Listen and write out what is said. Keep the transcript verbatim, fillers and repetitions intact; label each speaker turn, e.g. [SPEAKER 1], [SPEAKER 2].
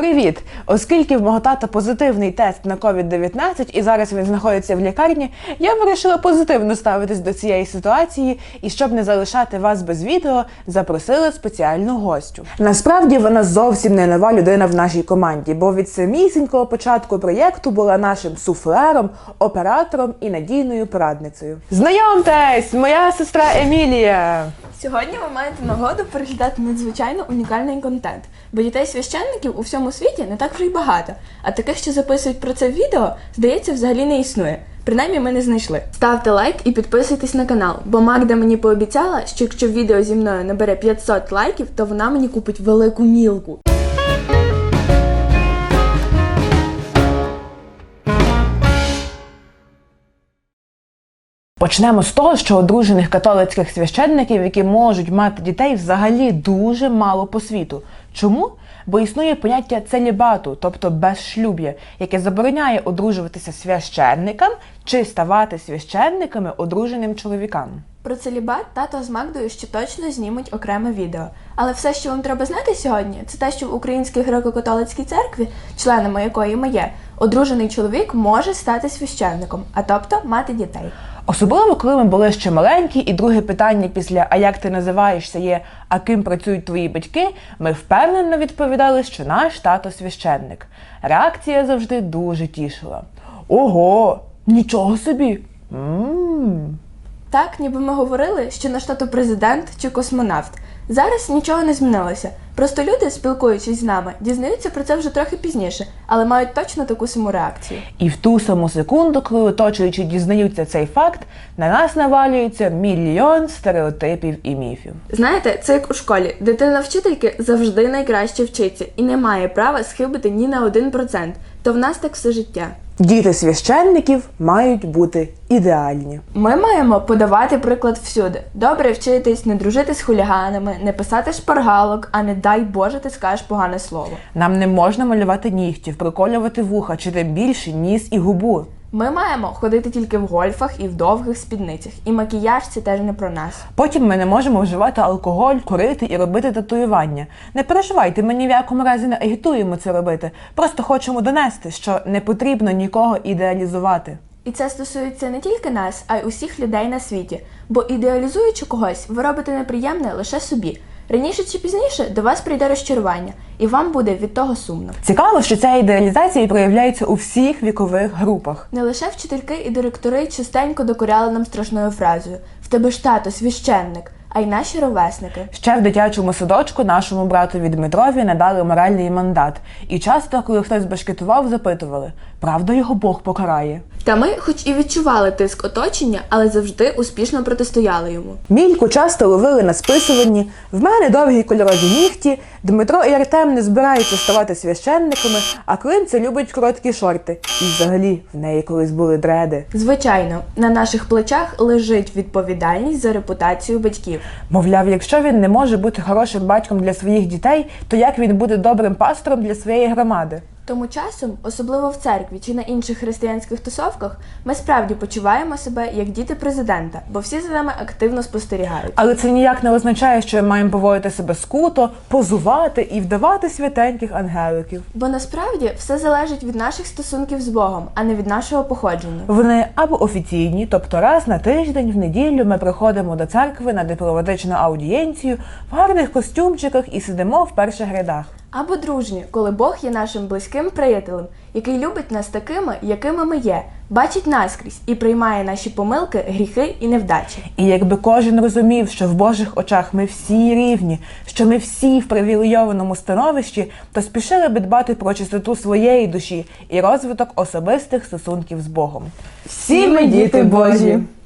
[SPEAKER 1] Привіт! Оскільки в мого тата позитивний тест на ковід дев'ятнадцять і зараз він знаходиться в лікарні, я вирішила позитивно ставитись до цієї ситуації і, щоб не залишати вас без відео, запросила спеціальну гостю. Насправді вона зовсім не нова людина в нашій команді, бо від самісінького початку проєкту була нашим суфлером, оператором і надійною порадницею. Знайомтесь! Моя сестра Емілія!
[SPEAKER 2] Сьогодні ви маєте нагоду переглядати надзвичайно унікальний контент, бо дітей-священників у всьому світі не так вже й багато, а таких, що записують про це відео, здається, взагалі не існує. Принаймні ми не знайшли. Ставте лайк і підписуйтесь на канал, бо Магда мені пообіцяла, що якщо відео зі мною набере п'ятсот лайків, то вона мені купить велику мілку.
[SPEAKER 1] Почнемо з того, що одружених католицьких священників, які можуть мати дітей, взагалі дуже мало по світу. Чому? Бо існує поняття целібату, тобто безшлюб'я, яке забороняє одружуватися священникам чи ставати священниками одруженим чоловікам.
[SPEAKER 2] Про целібат тато з Магдою ще точно знімуть окреме відео. Але все, що вам треба знати сьогодні, це те, що в Українській греко-католицькій церкві, членами якої ми є, одружений чоловік може стати священником, а тобто мати дітей.
[SPEAKER 1] Особливо, коли ми були ще маленькі, і друге питання після «А як ти називаєшся?» є «А ким працюють твої батьки?», ми впевнено відповідали, що наш тато священник. Реакція завжди дуже тішила. «Ого! Нічого собі! Ммм!»
[SPEAKER 2] Так, ніби ми говорили, що наш тато президент чи космонавт. Зараз нічого не змінилося. Просто люди, спілкуючись з нами, дізнаються про це вже трохи пізніше, але мають точно таку саму реакцію.
[SPEAKER 1] І в ту саму секунду, коли оточуючі дізнаються цей факт, на нас навалюється мільйон стереотипів і міфів.
[SPEAKER 2] Знаєте, це як у школі. Дитина вчительки завжди найкраще вчиться і не має права схибити ні на один процент. То в нас так все життя.
[SPEAKER 1] Діти священників мають бути ідеальні.
[SPEAKER 2] Ми маємо подавати приклад всюди. Добре вчитись, не дружити з хуліганами, не писати шпаргалок, а не дай Боже ти скажеш погане слово.
[SPEAKER 1] Нам не можна малювати нігтів, приколювати вуха, чи тим більше ніс і губу.
[SPEAKER 2] Ми маємо ходити тільки в гольфах і в довгих спідницях. І макіяж – це теж не про нас.
[SPEAKER 1] Потім ми не можемо вживати алкоголь, курити і робити татуювання. Не переживайте, ми ні в якому разі не агітуємо це робити. Просто хочемо донести, що не потрібно нікого ідеалізувати.
[SPEAKER 2] І це стосується не тільки нас, а й усіх людей на світі. Бо ідеалізуючи когось, ви робите неприємне лише собі. Раніше чи пізніше до вас прийде розчарування, і вам буде від того сумно.
[SPEAKER 1] Цікаво, що ця ідеалізація проявляється у всіх вікових групах.
[SPEAKER 2] Не лише вчительки і директори частенько докоряли нам страшною фразою «В тебе ж тато священник», а й наші ровесники.
[SPEAKER 1] Ще в дитячому садочку нашому братові Дмитрові надали моральний мандат. І часто, коли хтось башкетував, запитували, правда його Бог покарає?
[SPEAKER 2] Та ми, хоч і відчували тиск оточення, але завжди успішно протистояли йому.
[SPEAKER 1] Мільку часто ловили на списуванні, в мене довгі кольорові нігті, Дмитро і Артем не збираються ставати священниками, а Климця любить короткі шорти. І взагалі, в неї колись були дреди.
[SPEAKER 2] Звичайно, на наших плечах лежить відповідальність за репутацію батьків.
[SPEAKER 1] Мовляв, якщо він не може бути хорошим батьком для своїх дітей, то як він буде добрим пастором для своєї громади?
[SPEAKER 2] Тому часом, особливо в церкві чи на інших християнських тусовках, ми справді почуваємо себе як діти президента, бо всі за нами активно спостерігають.
[SPEAKER 1] Але це ніяк не означає, що ми маємо поводити себе скуто, позувати і вдавати святеньких ангеликів.
[SPEAKER 2] Бо насправді все залежить від наших стосунків з Богом, а не від нашого походження.
[SPEAKER 1] Вони або офіційні, тобто раз на тиждень в неділю ми приходимо до церкви на дипломатичну аудієнцію в гарних костюмчиках і сидимо в перших рядах.
[SPEAKER 2] Або дружні, коли Бог є нашим близьким приятелем, який любить нас такими, якими ми є, бачить наскрізь і приймає наші помилки, гріхи і невдачі.
[SPEAKER 1] І якби кожен розумів, що в Божих очах ми всі рівні, що ми всі в привілейованому становищі, то спішили би дбати про чистоту своєї душі і розвиток особистих стосунків з Богом.
[SPEAKER 2] Всі ми діти Божі!